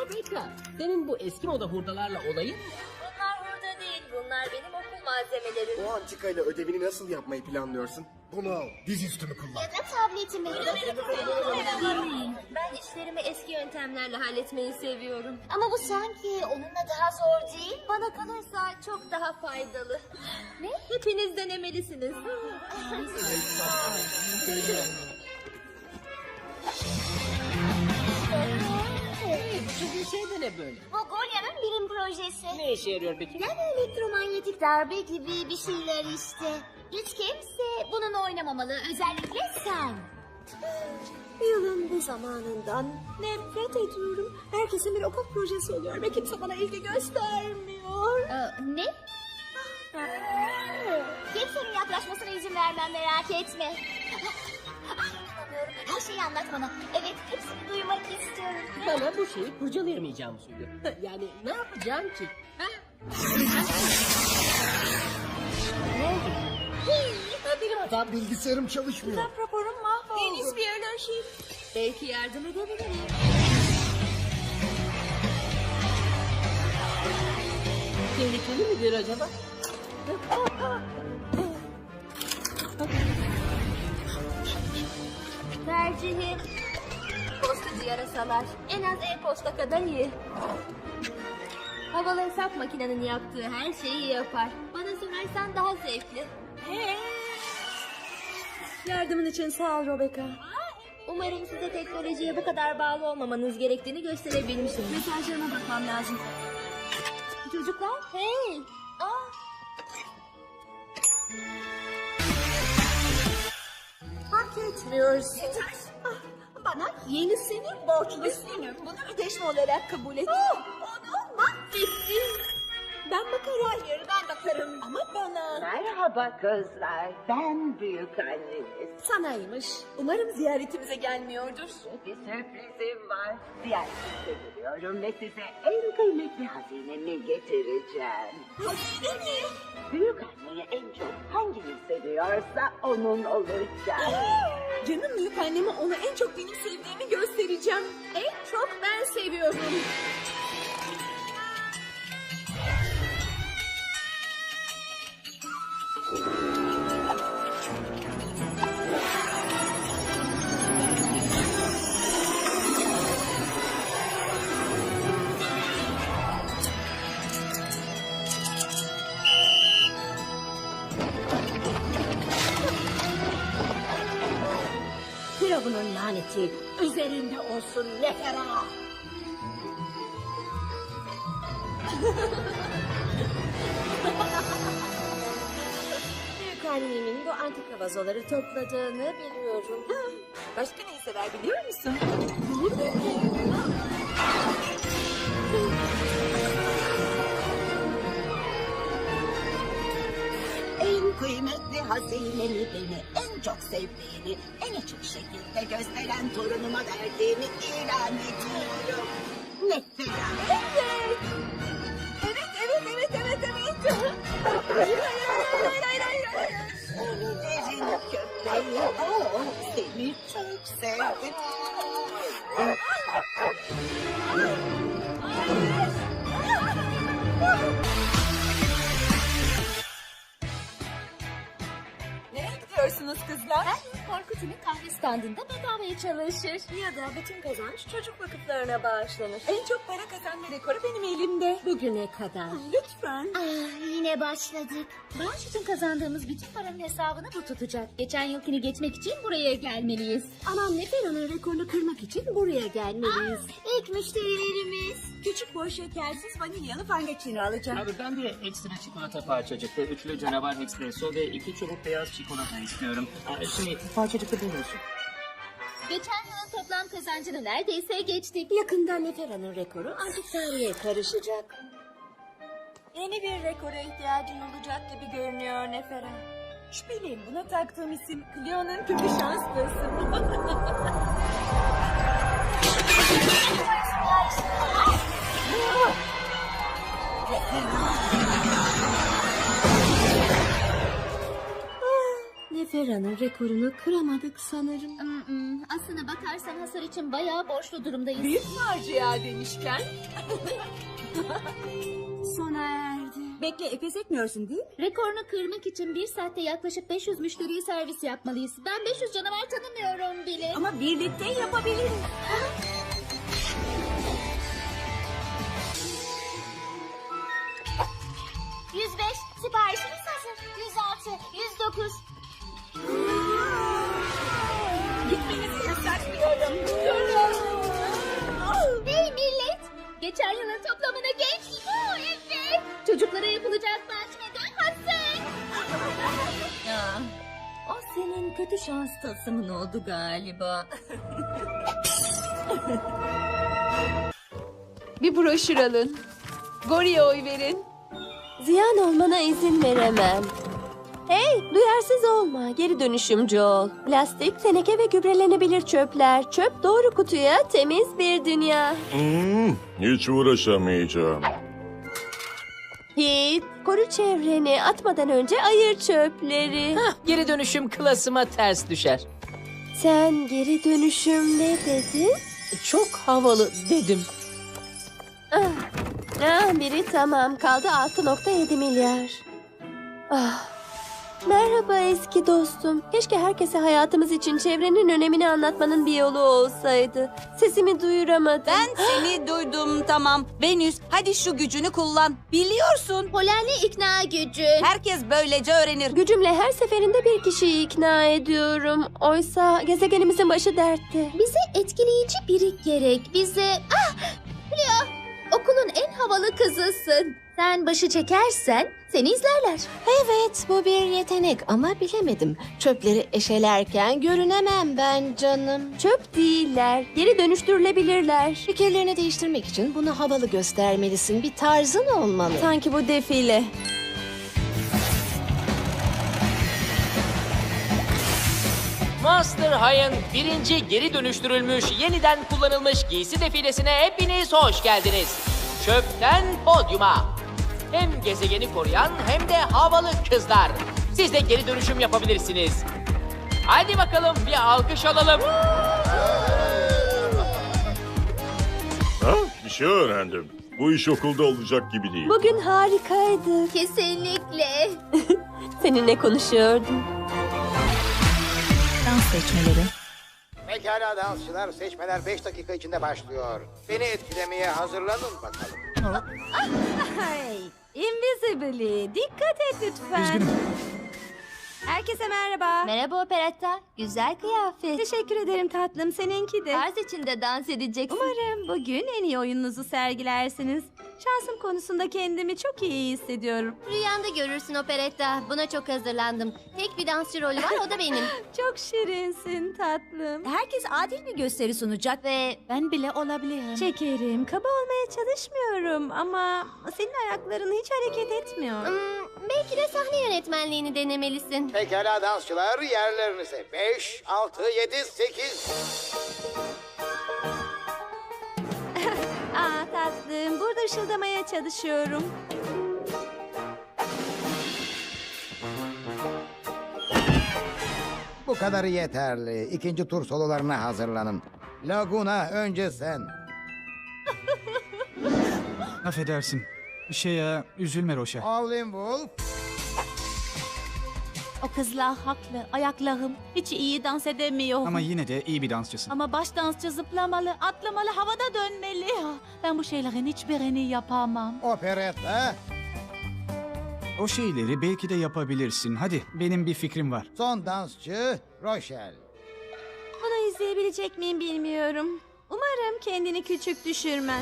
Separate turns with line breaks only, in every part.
Rebecca, senin bu eski moda hurdalarla olayın ne?
Bunlar hurda değil, bunlar benim okul malzemelerim.
O antikayla ödevini nasıl yapmayı planlıyorsun?
Bunu al, dizüstü mü kullan?
Ya da tabletimi. Ben işlerimi eski yöntemlerle halletmeyi seviyorum. Ama bu sanki onunla daha zor değil. Bana kalırsa çok daha faydalı. Ne? Hepiniz denemelisiniz.
Bu şey de ne böyle?
Bu Golya'nın bilim projesi.
Ne işe yarıyor peki?
Yani elektromanyetik darbe gibi bir şeyler işte. Hiç kimse bununla oynamamalı. Özellikle sen.
Yılın bu zamanından nefret ediyorum. Herkesin bir okul projesi oluyor ve kimse bana ilgi göstermiyor.
Ne? Kimsenin yaklaşmasına izin vermem, merak etme. Ay, inanamıyorum. Her şeyi anlat bana. Evet, hepsini duymak istiyorum.
Bana bu şeyi kurcalayamayacağımı söylüyor. Yani ne yapacağım ki? Ha? Ne oldu? Benim hatam.
Bilgisayarım çalışmıyor.
Raporum mahvoldu. Deniz biyoloji.
Belki yardım edebilirim.
Tehlikeli midir acaba?
Tercihim postacı yarasalar. En az e-posta kadar iyi. Havalı hesap makinenin yaptığı her şeyi yapar. Bana sorarsan daha zevkli.
Yardımın için sağ ol Rebecca.
Umarım size teknolojiye bu kadar bağlı olmamanız gerektiğini gösterebilmişim.
Mesajlarıma bakmam lazım.
Çocuklar, hey!
Hak etmiyorsun. Bana yenisini borçlusun. Bunu ödeşme olarak kabul et. Onu mahvettin. Ben bakarım. Hayır, ben bakarım. Ama bana.
Merhaba kızlar, ben büyük anneniz.
Sanaymış. Umarım ziyaretimize gelmiyordur.
Bir sürprizim var. Ziyaretinize geliyorum ve size en kıymetli hazinemi getireceğim.
Hazine mi?
Büyük anneyi en çok hanginiz seviyorsa onun olacak.
Canım büyük anneme ona en çok benim sevdiğimi göstereceğim. En çok ben seviyorum.
Firavun'un laneti üzerinde olsun Nefera.
Büyük annemin bu antika vazoları topladığını biliyorum. Başka ne sever biliyor musun?
En kıymetli hazinemi beni en çok sevdiğini en açık şekilde gösteren torunuma verdiğimi ilan ediyorum. Mesela. Oliver'in köpeği o seni çok sevdi.
Nereye gidiyorsunuz kızlar?
Korkut'un kahve standında bedavaya çalışır.
Ya da bütün kazanç çocuk vakıflarına bağışlanır. En çok para kazanma rekoru benim elimde.
Bugüne kadar.
Lütfen.
Yine başladık. Bağış için kazandığımız bütün paranın hesabını bu tutacak. Geçen yılkini geçmek için buraya gelmeliyiz.
Ama Nefera'nın rekorunu kırmak için buraya gelmeliyiz.
İlk müşterilerimiz.
Küçük boy şekersiz vanilyalı fangaçini alacağım.
Abi ben bir ekstra çikolata parçacıklı, üçlü canavar espresso ve 2 çubuk beyaz çikolata istiyorum. Parçacıklı bir olsun.
Geçen yılın toplam kazancını neredeyse geçtik.
Yakında Nefera'nın rekoru antik tarihe karışacak. Yeni bir rekora ihtiyacın olacak gibi görünüyor Nefera. Şüpheliyim, buna taktığım isim Cleo'nun kötü şanslısın. Nefera Fera'nın rekorunu kıramadık sanırım.
Aslına bakarsan hasar için bayağı borçlu durumdayız.
Büyük facia demişken. Sona erdi. Bekle, pes etmiyorsun değil mi?
Rekorunu kırmak için 1 saatte yaklaşık 500 müşteriye servis yapmalıyız. Ben 500 canavar tanımıyorum bile.
Ama birlikte yapabiliriz.
Siparişiniz hazır. 106, 109.
Gitmenizi yasaklıyorum. Durun.
Hey millet! Geçen yılın toplamını geç. Evet. Çocuklara yapılacak maç neden hazır?
O senin kötü şans tasımın oldu galiba.
Bir broşür alın. Gori'ye oy verin. Ziyan olmana izin veremem. Hey, duyarsız olma. Geri dönüşümcü ol. Plastik, teneke ve gübrelenebilir çöpler. Çöp doğru kutuya, temiz bir dünya.
Hiç uğraşamayacağım.
Git, koru çevreni. Atmadan önce ayır çöpleri.
Geri dönüşüm klasıma ters düşer.
Sen geri dönüşüm ne dedin?
Çok havalı dedim.
Biri tamam. Kaldı 6,7 milyar. Merhaba eski dostum. Keşke herkese hayatımız için çevrenin önemini anlatmanın bir yolu olsaydı. Sesimi duyuramadım.
Ben seni duydum, tamam. Venüs, hadi şu gücünü kullan. Biliyorsun,
Polenli ikna gücü.
herkes böylece öğrenir.
Gücümle her seferinde bir kişiyi ikna ediyorum. Oysa gezegenimizin başı dertte.
Bize etkileyici biri gerek. Leo, okulun en havalı kızısın. Sen başı çekersen seni izlerler.
Evet, bu bir yetenek ama bilemedim. Çöpleri eşelerken görünemem ben canım.
Çöp değiller. Geri dönüştürülebilirler.
Fikirlerini değiştirmek için bunu havalı göstermelisin. Bir tarzın olmalı.
Sanki bu defile.
Monster High'ın birinci geri dönüştürülmüş, yeniden kullanılmış giysi defilesine hepiniz hoş geldiniz. Çöpten podyuma. Hem gezegeni koruyan hem de havalı kızlar. Siz de geri dönüşüm yapabilirsiniz. Hadi bakalım bir alkış alalım.
Bir şey öğrendim. Bu iş okulda olacak gibi değil.
Bugün harikaydı.
Kesinlikle.
Seninle konuşuyordum.
Dans seçmeleri.
Pekala dansçılar, seçmeler 5 dakika içinde başlıyor. Beni etkilemeye hazırlanın bakalım.
Hey, Invisibly, dikkat et lütfen. Herkese merhaba.
Merhaba Operetta. Güzel kıyafet.
Teşekkür ederim tatlım, seninki de.
Tarz içinde dans edeceksin.
Umarım bugün en iyi oyununuzu sergilersiniz. Şansım konusunda kendimi çok iyi hissediyorum.
Rüyanda görürsün Operetta. Buna çok hazırlandım. Tek bir dansçı rolü var, o da benim.
Çok şirinsin tatlım. Herkes adil bir gösteri sunacak
Ve ben bile olabilirim.
Şekerim, kaba olmaya çalışmıyorum ama senin ayakların hiç hareket etmiyor.
Belki de sahne yönetmenliğini denemelisin.
Pekala dansçılar, yerlerinize. 5, 6, 7, 8.
Tatlım, burada ışıldamaya çalışıyorum.
Bu kadarı yeterli. İkinci tur sololarına hazırlanın. Laguna önce sen.
Affedersin. Üzülme Roşa.
Howlin' Wolf.
O kızlar haklı. Ayaklahım hiç iyi dans edemiyor.
Ama yine de iyi bir dansçısın.
Ama baş dansçı zıplamalı, atlamalı, havada dönmeli. Ben bu şeylerin hiçbirini yapamam.
Operetta.
O şeyleri belki de yapabilirsin. Hadi, benim bir fikrim var.
Son dansçı Rochelle.
Bunu izleyebilecek miyim bilmiyorum. Umarım kendini küçük düşürmez.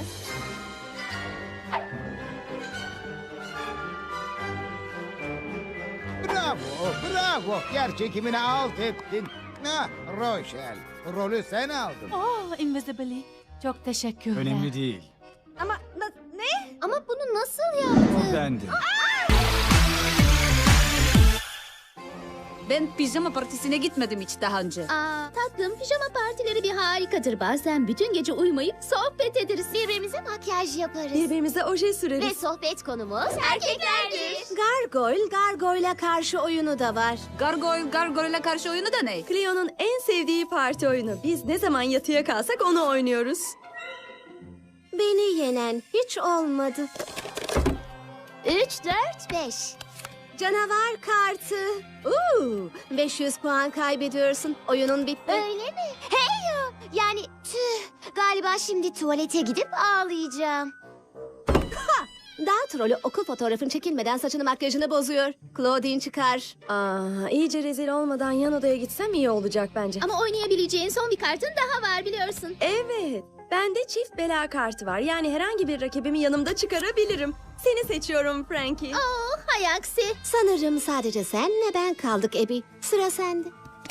Bravo, bravo. Yer çekimini alt ettin. Rochelle, rolü sen aldın.
Oh, Invisibly. Çok teşekkürler.
Önemli değil.
Ama ne?
Ama bunu nasıl yaptın?
O bendim.
Ben pijama partisine gitmedim hiç daha önce.
Aa, tatlım, pijama partileri bir harikadır. Bazen bütün gece uyumayıp sohbet ederiz. Birbirimize makyaj yaparız.
Birbirimize oje
Ve
süreriz.
sohbet konumuz erkeklerdir.
Gargoyle'a karşı oyunu da var.
Gargoyle'e karşı oyunu da ne?
Cleo'nun en sevdiği parti oyunu. Biz ne zaman yatıya kalsak onu oynuyoruz.
Beni yenen hiç olmadı.
3, 4, 5.
Canavar kartı. 500 puan kaybediyorsun. Oyunun bitti.
Öyle mi? Hey ya! Yani tüh. Galiba şimdi tuvalete gidip ağlayacağım.
Daha trolü okul fotoğrafın çekilmeden saçını makyajını bozuyor. Claudine çıkar.
İyice rezil olmadan yan odaya gitsem iyi olacak bence.
Ama oynayabileceğin son bir kartın daha var biliyorsun.
Evet. Bende çift bela kartı var. Yani herhangi bir rakibimi yanımda çıkarabilirim. Seni seçiyorum Frankie.
Oh, hay aksi.
Sanırım sadece senle ben kaldık Abby. Sıra sende.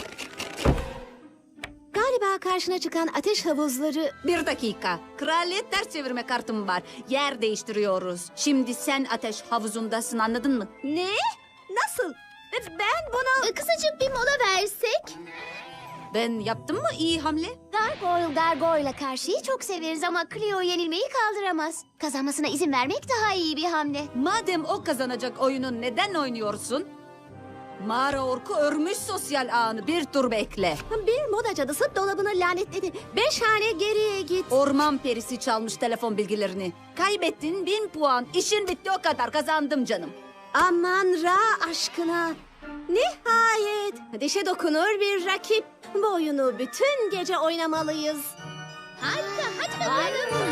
Galiba karşına çıkan ateş havuzları...
Bir dakika. Kraliyet ters çevirme kartım var. Yer değiştiriyoruz. Şimdi sen ateş havuzundasın, anladın mı?
Ne? Nasıl? Ben bunu...
Kısacık bir mola versek.
Ben yaptım mı iyi hamle?
Gargoyle'a karşıyı çok severiz ama Cleo yenilmeyi kaldıramaz. Kazanmasına izin vermek daha iyi bir hamle.
Madem o kazanacak oyunu neden oynuyorsun? Mağara orku örmüş sosyal ağını, bir tur bekle.
Bir moda cadısı dolabını lanetledi. 5 hane geriye git.
Orman perisi çalmış telefon bilgilerini. Kaybettin 1000 puan. İşin bitti, o kadar, kazandım canım.
Aman Ra aşkına. Nihayet dişe dokunur bir rakip. Bu oyunu bütün gece oynamalıyız.
Harika, hadi bakalım.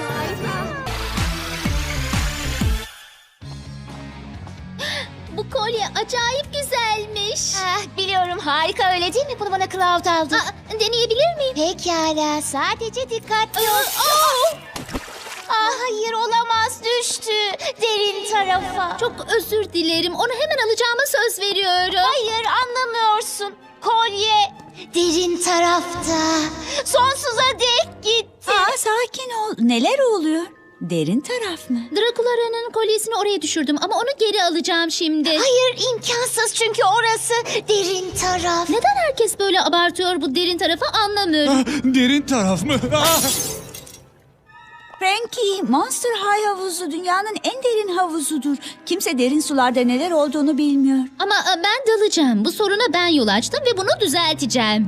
Bu kolye acayip güzelmiş. Biliyorum, harika öyle değil mi? Bunu bana Cloud aldı. Deneyebilir miyim? Pekala, sadece dikkatli ol. Hayır, olamaz, düştü derin tarafa. Çok özür dilerim, onu hemen alacağıma söz veriyorum. Hayır, anlamıyorsun. Kolye derin tarafta. Sonsuza dek gitti.
Sakin ol. Neler oluyor? Derin taraf mı?
Drakulara'nın kolyesini oraya düşürdüm ama onu geri alacağım şimdi. Hayır, imkansız çünkü orası derin taraf. Neden herkes böyle abartıyor bu derin tarafı anlamıyorum.
Derin taraf mı?
Frankie, Monster High havuzu dünyanın en derin havuzudur. Kimse derin sularda neler olduğunu bilmiyor.
Ama ben dalacağım. Bu soruna ben yol açtım ve bunu düzelteceğim.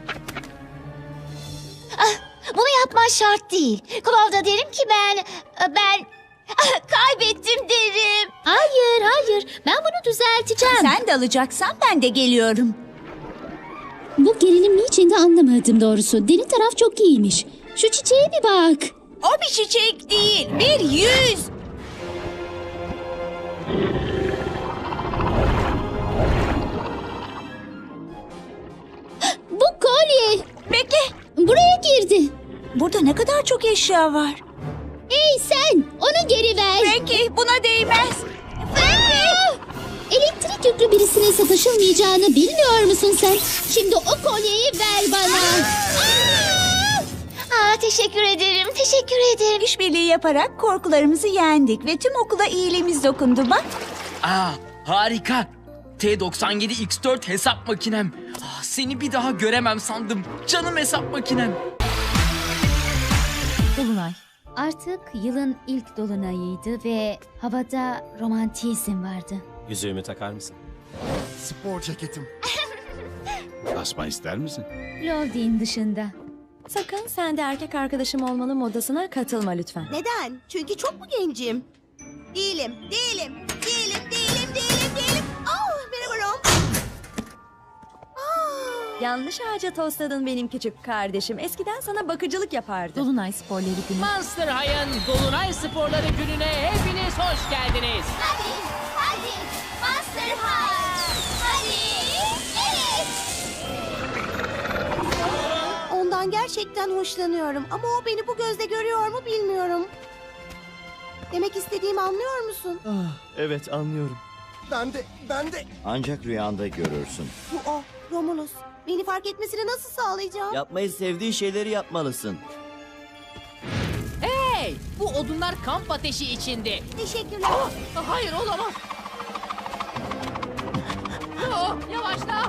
Bunu yapman şart değil. Cloud'a derim ki ben kaybettim derim. Hayır. Ben bunu düzelteceğim.
Sen dalacaksan ben de geliyorum.
Bu gerilim niçin de anlamadım doğrusu. Derin taraf çok iyiymiş. Şu çiçeğe bir bak.
O bir çiçek değil, bir yüz.
Bu kolye.
Bekle.
Buraya girdi.
Burada ne kadar çok eşya var.
Hey sen, onu geri ver.
Frankie, buna değmez.
Elektrik yüklü birisine sataşılmayacağını bilmiyor musun sen? Şimdi o kolyeyi ver bana. Teşekkür ederim.
İşbirliği yaparak korkularımızı yendik ve tüm okula iyiliğimiz dokundu bak.
Harika. T97X4 hesap makinem. Seni bir daha göremem sandım. Canım hesap makinem.
Dolunay.
Artık yılın ilk dolunayıydı ve havada romantizm vardı.
Yüzüğümü takar mısın?
Spor ceketim.
Asma ister misin?
Claudine dışında.
Sakın sen de erkek arkadaşım olmanın modasına katılma lütfen.
Neden? Çünkü çok mu gencim? Değilim. Merhaba Rom.
Yanlış ağaca tosladın benim küçük kardeşim. Eskiden sana bakıcılık yapardı.
Dolunay sporları günü.
Monster High'ın Dolunay Sporları gününe hepiniz hoş geldiniz.
Hadi. Monster High. Hadi. Evet.
Ondan gerçekten hoşlanıyorum ama o beni bu gözle görüyor mu bilmiyorum. Demek istediğimi anlıyor musun?
Evet, anlıyorum.
Ben de.
Ancak rüyanda görürsün.
Bu o, Romulus. Beni fark etmesini nasıl sağlayacağım?
Yapmayı sevdiği şeyleri yapmalısın.
Hey! Bu odunlar kamp ateşi içinde.
Teşekkürler.
Hayır, olamaz.
Cleo, yavaşla.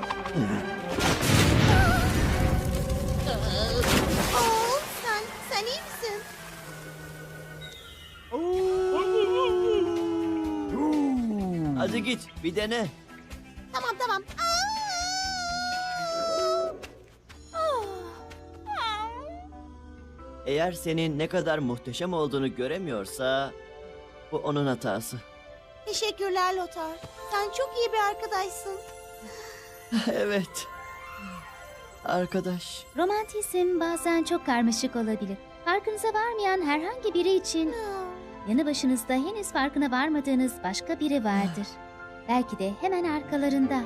Sen iyi misin?
Hadi git bir dene.
Tamam.
Eğer senin ne kadar muhteşem olduğunu göremiyorsa bu onun hatası.
Teşekkürler Lothar. Sen çok iyi bir arkadaşsın.
Evet. Arkadaş.
Romantizm bazen çok karmaşık olabilir. Farkınıza varmayan herhangi biri için yanı başınızda henüz farkına varmadığınız başka biri vardır. Belki de hemen arkalarında.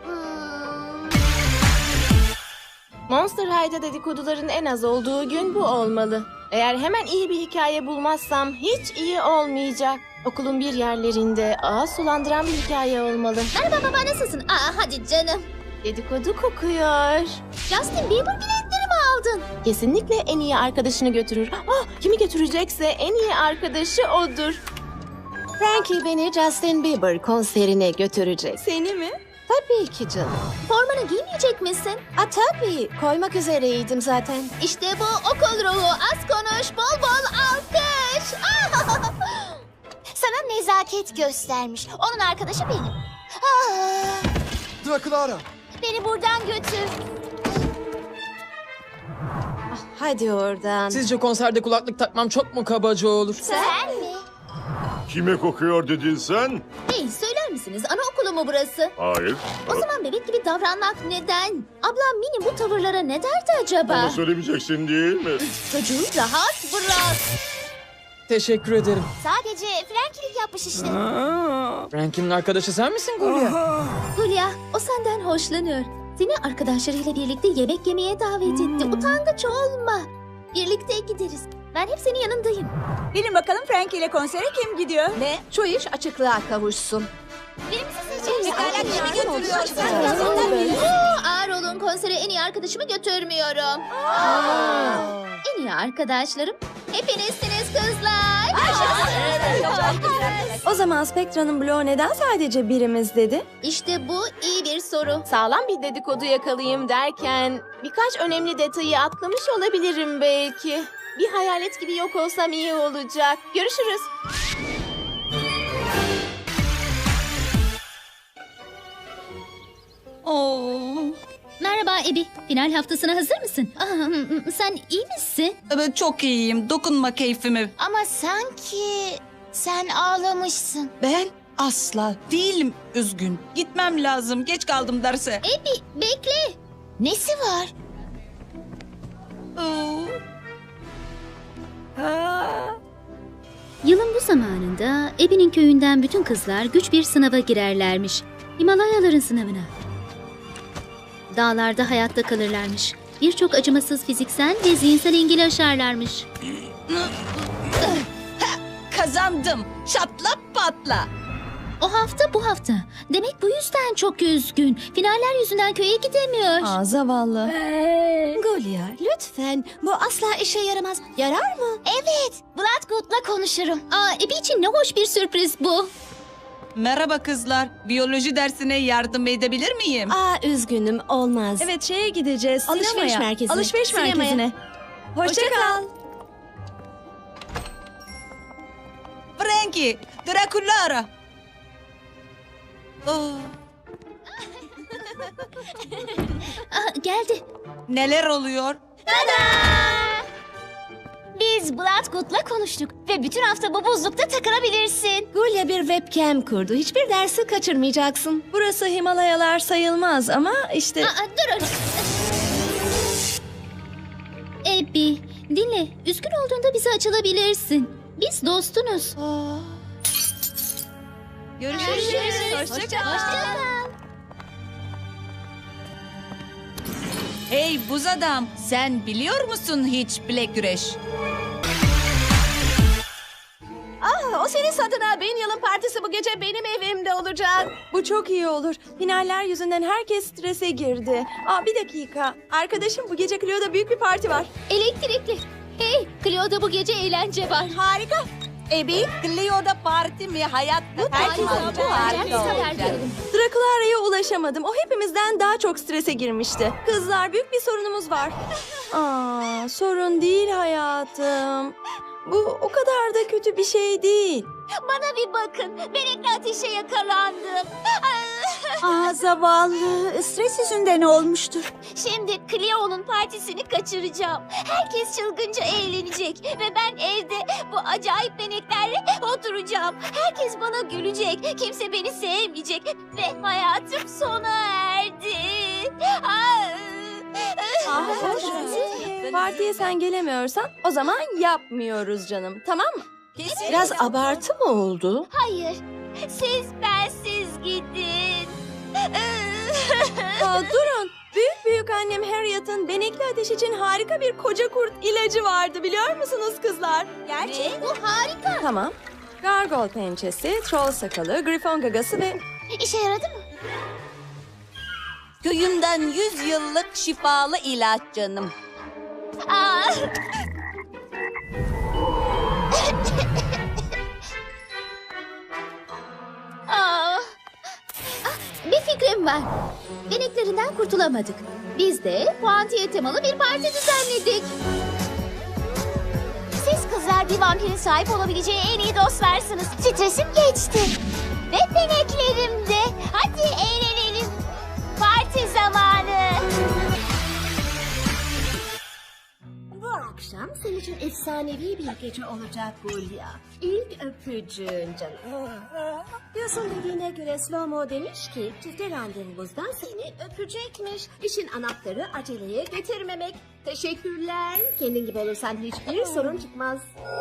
Monster High'da dedikoduların en az olduğu gün bu olmalı. Eğer hemen iyi bir hikaye bulmazsam hiç iyi olmayacak. Okulun bir yerlerinde ağız sulandıran bir hikaye olmalı.
Merhaba baba, nasılsın? Hadi canım.
Dedikodu kokuyor.
Justin Bieber biletleri mi aldın?
Kesinlikle en iyi arkadaşını götürür. Kimi götürecekse en iyi arkadaşı odur. Frankie beni Justin Bieber konserine götürecek.
Seni mi?
Tabii ki canım.
Formanı giymeyecek misin?
Tabii. Koymak üzereydim zaten.
İşte bu okul ruhu. Az konuş, bol bol alkış. Sana nezaket göstermiş. Onun arkadaşı benim.
Dracula.
Beni buradan götür.
Hadi oradan.
Sizce konserde kulaklık takmam çok mu kabaca olur?
Sen mi?
Kime kokuyor dedin sen?
Hey, söyler misiniz? Anaokulu mu burası?
Hayır.
O zaman bebek gibi davranmak neden? Ablam Mini bu tavırlara ne derdi acaba?
Bana söylemeyeceksin değil mi?
Çocuğu rahat bırak.
Teşekkür ederim.
Sadece Frankie'lik yapmış işte.
Frankie'nin arkadaşı sen misin Gulya?
Gulya, o senden hoşlanıyor. Seni arkadaşlarıyla birlikte yemek yemeye davet etti. Utangaç olma. Birlikte gideriz. Ben hep senin yanındayım.
Bilin bakalım Frankie ile konsere kim gidiyor?
Ve şu iş açıklığa kavuşsun.
Birimizi seçeceğiz.
Pekala, kimi götürüyorsun?
Ağır olun, konsere en iyi arkadaşımı götürmüyorum. En iyi arkadaşlarım hepinizsiniz kızlar.
O zaman Spectra'nın bloğu neden sadece birimiz dedi?
İşte bu iyi bir soru.
Sağlam bir dedikodu yakalayayım derken birkaç önemli detayı atlamış olabilirim belki. Bir hayalet gibi yok olsam iyi olacak. Görüşürüz.
Merhaba Ebi. Final haftasına hazır mısın? Sen iyi misin?
Evet, çok iyiyim. Dokunma keyfime.
Ama sanki sen ağlamışsın.
Ben asla değilim üzgün. Gitmem lazım. Geç kaldım derse.
Ebi bekle. Nesi var? Yılın bu zamanında Ebi'nin köyünden bütün kızlar güç bir sınava girerlermiş. Himalayaların sınavına. Dağlarda hayatta kalırlarmış. Birçok acımasız fiziksel ve zihinsel engeli aşarlarmış.
Kazandım. Çatla patla.
O hafta bu hafta. Demek bu yüzden çok üzgün. Finaller yüzünden köye gidemiyor.
Zavallı.
Gulya lütfen, bu asla işe yaramaz. Yarar mı?
Evet, Bloodgood'la konuşurum. Ebi için ne hoş bir sürpriz bu.
Merhaba kızlar. Biyoloji dersine yardım edebilir miyim?
Üzgünüm, olmaz.
Evet, şeye gideceğiz.
Alışveriş
sinemaya.
merkezine.
Alışveriş
Sinemaya.
merkezine. Hoşça kal.
Frankie, Dracula ara.
Geldi.
Neler oluyor?
Biz Bloodgood'la konuştuk ve bütün hafta bu buzlukta takılabilirsin.
Gulya bir webcam kurdu. Hiçbir dersi kaçırmayacaksın.
Burası Himalayalar sayılmaz ama işte...
Dur. Ebi, dinle. Üzgün olduğunda bize açılabilirsin. Biz dostunuz.
Görüşürüz.
Hoşça kal.
Hey buz adam, sen biliyor musun hiç bilek güreş?
O senin adına. Bin yılın partisi bu gece benim evimde olacak.
Bu çok iyi olur. Finaller yüzünden herkes strese girdi. Bir dakika. Arkadaşım, bu gece Cleo'da büyük bir parti var.
Elektrikli. Hey, Cleo'da bu gece eğlence var.
Harika.
Ebi, Cleo'da parti mi? Hayatta kaçmaz. Bu harika olacak.
Drakulara'ya ulaşamadım. O hepimizden daha çok strese girmişti. Kızlar, büyük bir sorunumuz var. Aa, sorun değil hayatım. Bu o kadar da kötü bir şey değil.
Bana bir bakın. Benekli ateşe yakalandım.
Aa, zavallı. Stres yüzünden olmuştur.
Şimdi Cleo'nun partisini kaçıracağım. Herkes çılgınca eğlenecek. Ve ben evde bu acayip beneklerle oturacağım. Herkes bana gülecek. Kimse beni sevmeyecek. Ve hayatım sona erdi.
Partiye sen gelemiyorsan o zaman yapmıyoruz canım. Tamam mı?
Biraz abartı mı oldu?
Hayır. Siz bensiz gidin.
Durun. Büyük annem Harriet'ın benekli ateş için harika bir koca kurt ilacı vardı, biliyor musunuz kızlar?
Gerçek bu harika.
Tamam. Gargoyle pençesi, troll sakalı, grifon gagası ve...
İşe yaradı mı?
Köyümden 100 yıllık şifalı ilaç canım.
Aa. Aa. Bir fikrim var. Beneklerinden kurtulamadık. Biz de puantiye temalı bir parti düzenledik. Siz kızlar bir vampirin sahip olabileceği en iyi dostlarsınız. Stresim geçti. Ve beneklerim de. Hadi eğlenelim. Parti zamanı.
Bu akşam senin için efsanevi bir gece olacak Hulya. İlk öpücüğün canım. Diyorsun dediğine göre Slow-Mo demiş ki çifte randevumuzda seni öpecekmiş. İşin anahtarı aceleye getirmemek. Teşekkürler. Kendin gibi olursan hiçbir sorun çıkmaz.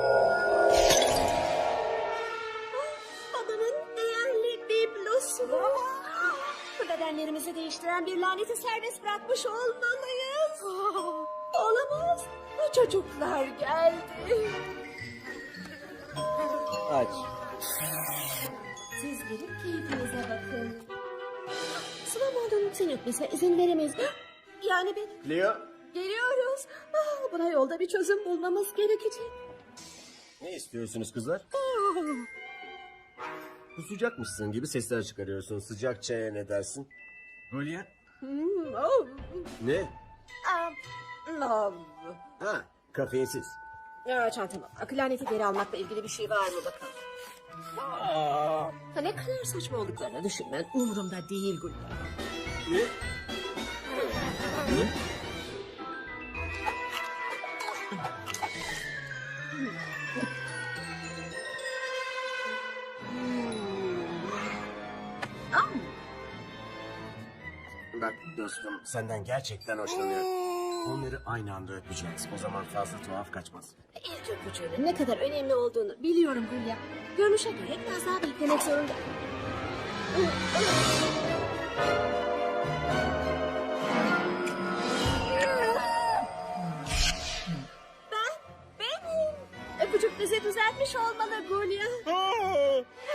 Babanın değerli biblosu. Bu bedenlerimizi değiştiren bir laneti serbest bırakmış olmalıyız. Olamaz. Bu çocuklar geldi.
Aç.
Siz gelip keyfinize bakın. Slow-Mo'nun seni öpmesine izin veremeyiz. Yani ben...
Leo,
Geliyoruz. Buna yolda bir çözüm bulmamız gerekecek.
ne istiyorsunuz kızlar? Kusacakmışsın gibi sesler çıkarıyorsun. Sıcak çaya ne dersin? Golya? Ne?
Love.
Ha, kafeinsiz.
Çantama bak. Laneti geri almakla ilgili bir şey var mı bakalım. Ne kadar saçma olduklarını düşünmen umurumda değil Gülden.
Ne? Ne? Bak dostum, senden gerçekten hoşlanıyorum. Onları aynı anda öpeceğiz. O zaman fazla tuhaf kaçmaz.
İlk öpücüğünün ne kadar önemli olduğunu biliyorum Hülya. Görünüşe göre biraz daha beklemek zorunda. Benim. Öpücük bizi düzeltmiş olmalı Gulya.